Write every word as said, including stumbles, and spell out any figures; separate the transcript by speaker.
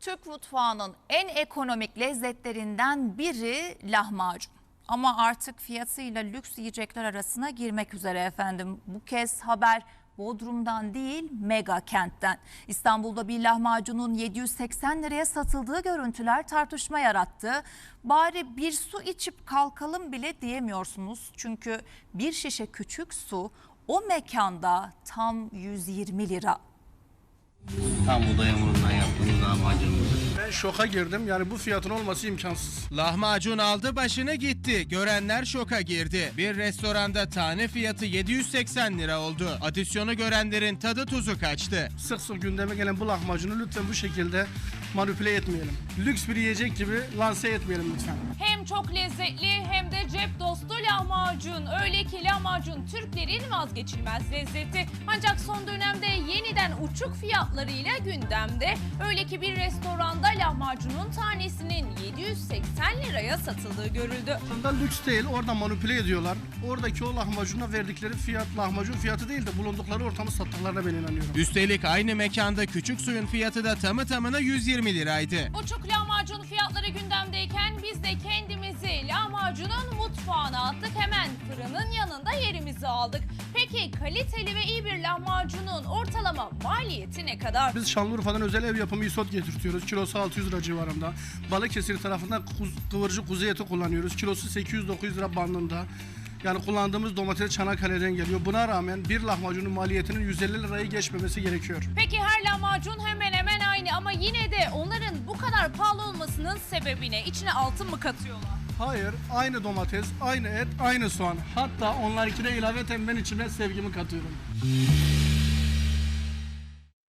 Speaker 1: Türk mutfağının en ekonomik lezzetlerinden biri lahmacun. Ama artık fiyatıyla lüks yiyecekler arasına girmek üzere efendim. Bu kez haber Bodrum'dan değil, mega kentten. İstanbul'da bir lahmacunun yedi yüz seksen liraya satıldığı görüntüler tartışma yarattı. Bari bir su içip kalkalım bile diyemiyorsunuz. Çünkü bir şişe küçük su o mekanda tam yüz yirmi lira.
Speaker 2: Tam buğday hamurundan yaptığımız lahmacunumuz.
Speaker 3: Ben şoka girdim. Yani bu fiyatın olması imkansız.
Speaker 4: Lahmacun aldı başını gitti. Görenler şoka girdi. Bir restoranda tane fiyatı yedi yüz seksen lira oldu. Adisyonu görenlerin tadı tuzu kaçtı.
Speaker 3: Sık sık gündeme gelen bu lahmacunu lütfen bu şekilde manipüle etmeyelim. Lüks bir yiyecek gibi lanse etmeyelim lütfen.
Speaker 5: Hem çok lezzetli hem de cep dostu lahmacun. Öyle ki lahmacun Türklerin vazgeçilmez lezzeti. Ancak son dönemde yeniden uçuk fiyatlarıyla gündemde. Öyle ki bir restoranda lahmacunun tanesinin yedi yüz seksen liraya satıldığı görüldü.
Speaker 3: Aslında lüks değil, orada manipüle ediyorlar. Oradaki o lahmacuna verdikleri fiyat lahmacun fiyatı değil de bulundukları ortamı sattıklarına ben inanıyorum.
Speaker 4: Üstelik aynı mekanda küçük suyun fiyatı da tamı tamına yüz yirmi liraydı.
Speaker 5: Uçuk lahmacun fiyatları gündemdeyken biz de kendimizi lahmacunun mutfağına attık. Hemen fırının yanında yerimizi aldık. Peki kaliteli ve iyi bir lahmacunun ortalama maliyeti ne kadar?
Speaker 3: Biz Şanlıurfa'dan özel ev yapımı isot getirtiyoruz. Kilosu altı yüz lira civarında. Balıkesir tarafından kuz, kıvırcık kuzu eti kullanıyoruz. Kilosu sekiz yüz dokuz yüz lira bandında. Yani kullandığımız domates Çanakkale'den geliyor. Buna rağmen bir lahmacunun maliyetinin yüz elli lirayı geçmemesi gerekiyor.
Speaker 5: Peki her lahmacun hemen hemen aynı ama yine de onların bu kadar pahalı olmasının sebebi ne? İçine altın mı katıyorlar?
Speaker 3: Hayır, aynı domates, aynı et, aynı soğan. Hatta onlarkine ilaveten ben içine sevgimi katıyorum.